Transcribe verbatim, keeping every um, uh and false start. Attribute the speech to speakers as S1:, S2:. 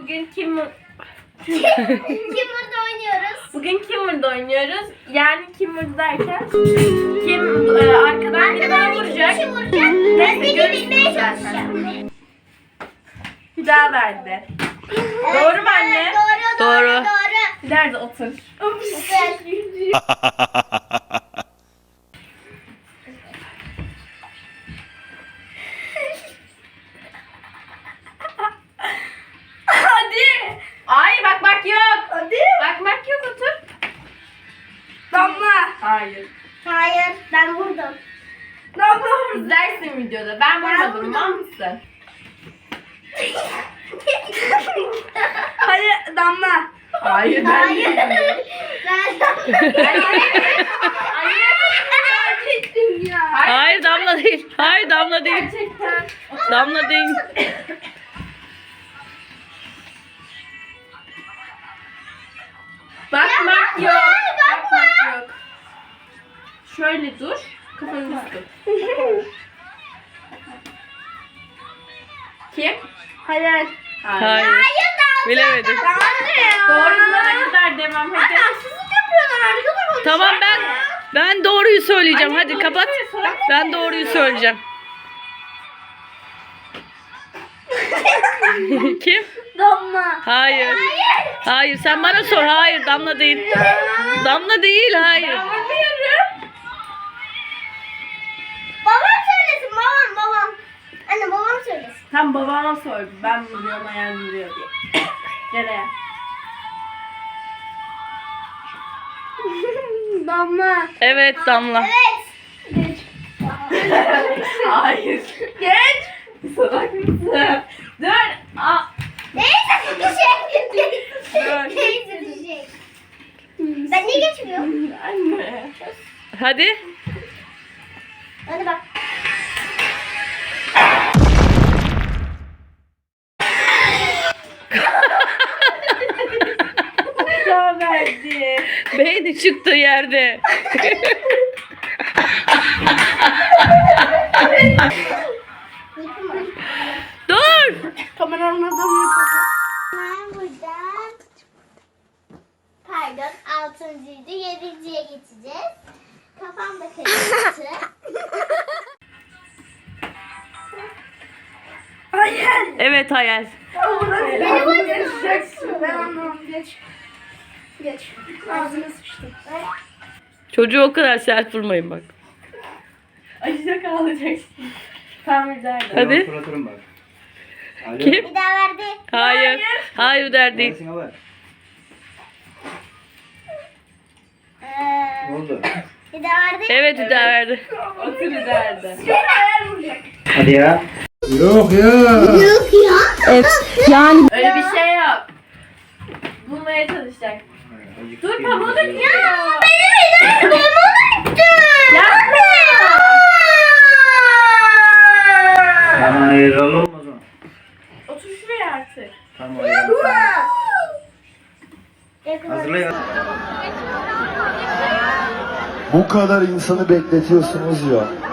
S1: Bugün kim
S2: Kimmer'da oynuyoruz.
S1: Bugün Kimmer'da oynuyoruz. Yani Kimmer derken kim e, arkadan birine vuracak.
S2: Kişi vuracak. Ben beni
S1: görürsünüz
S2: bilmeye
S1: zaten.
S2: çalışacağım.
S1: Bir daha verdi. Doğru mu anne?
S2: Doğru, doğru,
S3: Doğru.
S2: doğru.
S1: Bir daha da otur.
S2: Güzel.
S1: Hadi. Ay bakmak yok.
S2: Hadi.
S1: Bakmak yok, otur.
S2: Damla.
S1: Hayır.
S2: Hayır, ben vurdum.
S1: Damla İzlersin videoda. Ben
S2: Ben
S1: vurmadım,
S2: vurdum.
S1: mal mısın?
S2: Hayır, Damla.
S1: Hayır ben
S2: Hayır.
S1: değilim.
S2: Ben
S1: Ben Anne.
S2: Hayır. ya.
S3: Hayır Damla değil. Hayır Damla değil.
S1: Gerçekten.
S3: Damla değil.
S1: Bakmak
S2: Ya,
S1: yok.
S2: bakma.
S1: Bakmak yok. Şöyle dur. Kafanı tut. Kim?
S2: Hayır.
S1: Hayır.
S3: Hayır.
S2: Hayır, Damla.
S3: Bilemedim.
S1: Doğrulara kadar demem. Hadi.
S2: Haksızlık yapıyorlar. Arkadaşlar.
S3: Tamam ben ben doğruyu söyleyeceğim.
S1: Anne,
S3: Hadi
S1: doğru
S3: kapat.
S1: söyle, sonra
S3: Ben doğruyu söyleyeceğim. Kim?
S2: Damla.
S3: Hayır.
S2: Hayır.
S3: Hayır sen bana sor. Hayır Damla değil. Damla değil hayır.
S1: Ben vurmuyorum.
S2: Babam söylesin, babam, babam. Anne babam söylesin.
S1: Tam babama sor. Ben vuruyorum, ayağım vuruyor diye. Gel ayağa.
S2: Damla.
S3: Evet Damla.
S2: Evet.
S1: Hayır. Geç. Salak mısın? Dur. Aa.
S2: Neyse bir şey.
S1: Dur.
S2: Neyse bir şey. Ben niye geçmiyorum?
S1: Anne.
S3: Hadi.
S2: Hadi bak.
S1: Daha verdi.
S3: Beyni çıktı yerde. Dur.
S2: Kameranın adamını kapat. Ben buradan pardon altıncıydı yedinciye geçeceğiz. Kafam da karıştı. Hayır.
S3: Evet hayal.
S2: Beni vuracaksın. Ben anlamam. Geç. Geç. Ağzına sıçtım.
S3: Çocuğu o kadar sert vurmayın bak.
S1: Acıda kalacaksın. Tamam derdi.
S3: Hadi.
S4: Suratırım bak. Alo.
S3: Kim?
S2: Bir daha verdi.
S3: Hayır. Hayır der değil.
S4: Neresine var?
S2: Ee,
S4: Ne oldu?
S2: bir daha verdi.
S3: Evet bir daha verdi.
S1: Otur derdi.
S2: Bir hayal vuracak.
S4: Hadi ya. Yok ya.
S2: Yok ya.
S1: Öyle bir şey yok. Bulmaya çalışacak. Dur pamuğu da gidiyor.
S2: Benim elim pamuğu
S1: Yapma.
S4: Tamam hayır olur mu o zaman?
S1: Otur şuraya artık.
S4: Tamam hayır. Hazırlayın.
S5: Bu kadar insanı bekletiyorsunuz ya.